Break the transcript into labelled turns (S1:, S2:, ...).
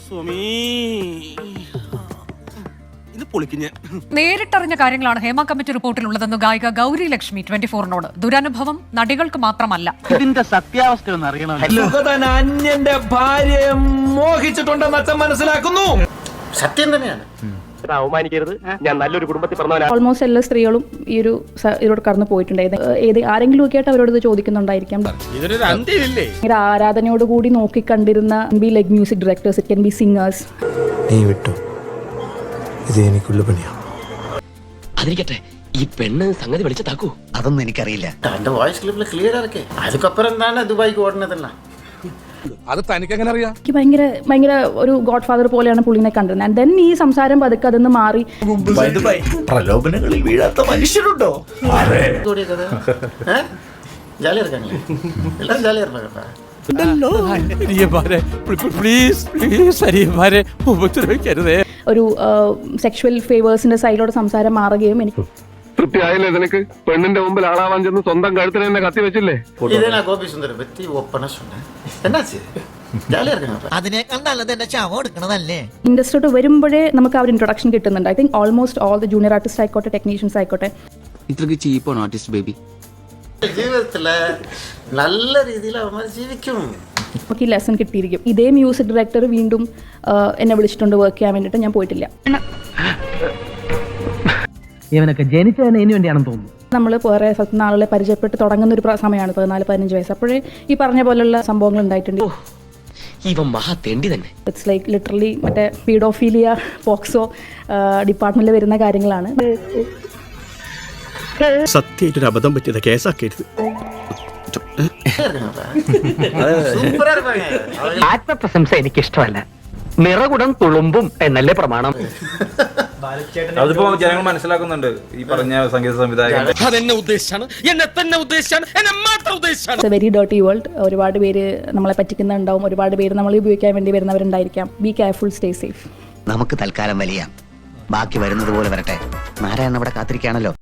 S1: നേരിട്ടറിഞ്ഞ കാര്യങ്ങളാണ് ഹേമ കമ്മിറ്റി റിപ്പോർട്ടിലുള്ളതെന്ന് ഗായിക ഗൗരി ലക്ഷ്മി 24-നോട്. ദുരനുഭവം നടികൾക്ക് മാത്രമല്ല.
S2: ഇതിന്റെ സത്യാവസ്ഥ ഒന്ന് അറിയണം.
S3: അന്യന്റെ ഭാര്യയെ മോഹിച്ചിട്ടുണ്ടെന്ന് അച്ഛൻ മനസ്സിലാക്കുന്നു.
S4: സത്യം തന്നെയാണ്.
S5: അവമാനിക്കരുത്. ഞാൻ നല്ലൊരു കുടുംബത്തിൽ പറഞ്ഞവനാണ്.
S6: ഓൾമോസ്റ്റ് എല്ലാ സ്ത്രീകളും ഈ ഒരു ഇതിലൂടെ കടന്നു പോയിട്ടുണ്ട്. ആരെങ്കിലും ഒക്കെ ആയിട്ട് അവരോട് ഇത് ചോദിക്കുന്നുണ്ടായിരിക്കാം. ഭയങ്കര ആരാധനയോടുകൂടി നോക്കിക്കണ്ടിരുന്ന like music directors, it can be singers.
S7: നീ വിട്ടു, ഇത് എനിക്കുള്ള പണിയാ.
S5: അതിരിക്കട്ടെ, ഈ പെണ്ണ് സംഗതി വിളിച്ചതാക്കൂ.
S4: അതൊന്നും എനിക്കറിയില്ല. എന്റെ വോയിസ് ക്ലിപ്പിൽ ക്ലിയർ ആക്കേ. അതുക്കപ്പുറം എന്താണ് ദുബായിക്ക് ഓടുന്നതല്ല.
S3: അത് തനിക്ക് എങ്ങനെ അറിയാം?
S6: എനിക്ക് ഭയങ്കര ഒരു ഗോഡ് ഫാദർ പോലെയാണ് പുള്ളിനെ കണ്ടിരുന്നത്. ആൻഡ് ദെൻ ഈ സംസാരം പതുക്കെ അതൊന്ന് മാറി.
S7: പ്രലോഭനങ്ങളിൽ വീഴാത്ത മനുഷ്യരുണ്ടോ?
S4: ജാലി ഇറക്കാനില്ലേ? എല്ലാം ജാലി ഇറക്കാം.
S6: ഒരു സെക്ഷുവൽ ഫേവേഴ്സിന്റെ സൈഡിലോട് സംസാരം മാറുകയും എനിക്ക്
S8: തൃപ്തിയായില്ലേ നിനക്ക്? പെണ്ണിന്റെ മുമ്പിൽ ആളാവാൻ ചെന്ന് സ്വന്തം കഴുത്തിന് തന്നെ കത്തി വെച്ചില്ലേ?
S4: ഇതേനാ ഗോപി സുന്ദരം വെത്തി ഒപ്പണ എന്നാച്ച് ജാലി ഇറക്കണം.
S9: അതിനേക്കാൾ നല്ലത് എന്റെ ശവം എടുക്കണതല്ലേ.
S6: ഇൻഡസ്ട്രിയോട്ട് വരുമ്പോഴേ നമുക്ക് ആ ഒരു ഇൻട്രൊഡക്ഷൻ കിട്ടുന്നുണ്ട്. I think almost all the junior artist ആയിക്കോട്ടെ, ടെക്നീഷ്യൻസ് ആയിക്കോട്ടെ,
S2: ഇത്രക്ക് ചീപ്പാണ് ആർട്ടിസ്റ്റ് ബേബി.
S4: ജീവിതത്തില് നല്ല രീതിയിൽ അവന്മാർ ജീവിക്കും.
S6: നമുക്ക് ഈ ലെസൺ കിട്ടിയിരിക്കും. ഇതേ മ്യൂസിക് ഡയറക്ടർ വീണ്ടും എന്നെ വിളിച്ചിട്ടുണ്ട് വർക്ക് ചെയ്യാൻ വേണ്ടിയിട്ട്. ഞാൻ പോയിട്ടില്ല.
S2: ഇവനൊക്കെ ജനിച്ചതിന് ഇതിനു വേണ്ടിയാണെന്ന് തോന്നുന്നു.
S6: നമ്മൾ വേറെ സ്ഥലത്തുനിന്ന് ആളുകളെ പരിചയപ്പെട്ട് തുടങ്ങുന്ന ഒരു സമയമാണ് 14-15 വയസ്സ്. അപ്പോഴേ ഈ പറഞ്ഞ പോലുള്ള സംഭവങ്ങൾ ഉണ്ടായിട്ടുണ്ട്.
S5: ഇവൻ മഹാ തെണ്ടി തന്നെ.
S6: ഇറ്റ്സ് ലൈക്ക് ലിറ്ററലി മറ്റേ പീഡോഫീലിയ, പോക്സോ ഡിപ്പാർട്ട്മെന്റിൽ വരുന്ന കാര്യങ്ങളാണ്.
S7: സത്യമായിട്ടൊരു അബദ്ധം പറ്റിയത് കേസാക്കരുത്.
S5: ആത്മപ്രശംസ എനിക്ക് ഇഷ്ടമല്ല. നിറകുടം തുളുമ്പും എന്നല്ലേ പ്രമാണം.
S3: അതിപ്പോ ജനങ്ങൾ മനസ്സിലാക്കുന്നുണ്ട്. ഈ പറഞ്ഞ സംഗീത സംവിധായകൻ അതെന്നെ ഉദ്ദേശിച്ചാണ്, എന്നെ തന്നെ ഉദ്ദേശിച്ചാണ്, എന്നെ മാത്രം ഉദ്ദേശിച്ചാണ്.
S6: It's a very dirty world. ഒരുപാട് പേര് നമ്മളെ പറ്റിക്കുന്നുണ്ടാവും, ഒരുപാട് പേര് നമ്മളെ ഉപയോഗിക്കാൻ വേണ്ടി വരുന്നവരുണ്ടായിരിക്കാം. Be careful, stay safe.
S4: നമുക്ക് തൽക്കാലം വലിയ ബാക്കി വരുന്നത് പോലെ വരട്ടെ. നാരായണൻ അവിടെ കാത്തിരിക്കുകയാണല്ലോ.